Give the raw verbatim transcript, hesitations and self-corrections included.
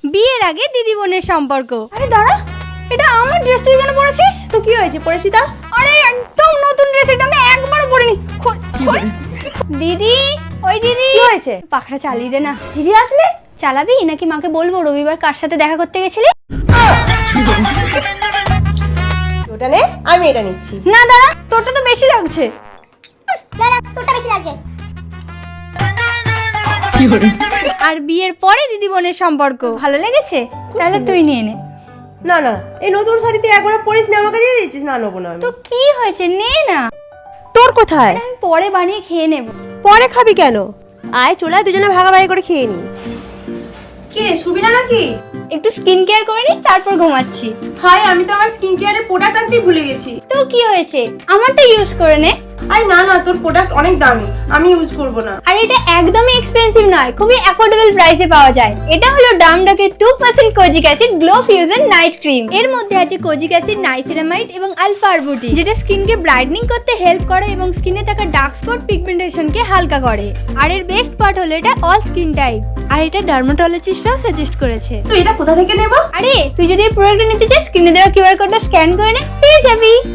বিয়ের আগে দিদি বোনের সম্পর্ক। আরে দাঁড়া, এটা আমার ড্রেস, তুই কেন পরেছিস? তো কি হয়েছে, পরেছি তা? আরে একদম নতুন ড্রেস, এটা আমি একবারও পরিনি। দিদি, ওই দিদি, কি হয়েছে? পাখা চালিয়ে দে না। দিদি আসলে চালাবি নাকি মাকে বলবো রবিবার কার সাথে দেখা করতে গেছিলি? ওটা নে, আমি এটা নিচ্ছি। না দাঁড়া, তোরটা তো বেশি লাগছে। তোরটা বেশি লাগছে। আর বিয়ের পরে দিদি বোনের সম্পর্ক ভালো লেগেছে? তাহলে তুই নিয়ে নে। না না, এই নতুন শাড়িতে একবার পরিস না, আমাকে দিয়ে দিচ্ছিস? না, নেবো না। তো কি হয়েছে, নে না। তোর কোথায়? আমি পরে বানিয়ে খেয়ে নেব। পরে খাবি কেন? আয় চলে আয়, দুজনে ভাগাভাগি করে খেয়ে নি। কি রে, শুবি না নাকি? একটু স্কিন কেয়ার করে নি, তারপর ঘুমাচ্ছি। হাই, আমি তো আমার স্কিন কেয়ারের প্রোডাক্ট আনতেই ভুলে গেছি। তো কি হয়েছে, আমারটা ইউজ করে নে। আরে না না, তোর প্রোডাক্ট অনেক দামি, আমি ইউজ করব না। আর এটা একদমই এক্সপেন্সিভ নয়, খুবই অ্যাফোর্ডেবল প্রাইসে পাওয়া যায়। এটা হলো ডামডকের two percent kojic acid glow fusion night cream. এর মধ্যে আছে কোজিক অ্যাসিড, নাইসিনামাইড এবং আলফা আরবুটিন, যেটা স্কিনকে ব্রাইটনিং করতে হেল্প করে এবং স্কিনে থাকা ডার্ক স্পট পিগমেন্টেশনকে হালকা করে। আর এর বেস্ট পার্ট হলো এটা অল স্কিন টাইপ, আর এটা ডার্মাটোলজিস্টরাও সাজেস্ট করেছে। তো এটা কোথা থেকে নেব? আরে তুই যদি এই প্রোডাক্টটা নিতে চাস, স্ক্রিনে দেওয়া কিউআর কোডটা স্ক্যান করে নে, পেয়ে যাবি।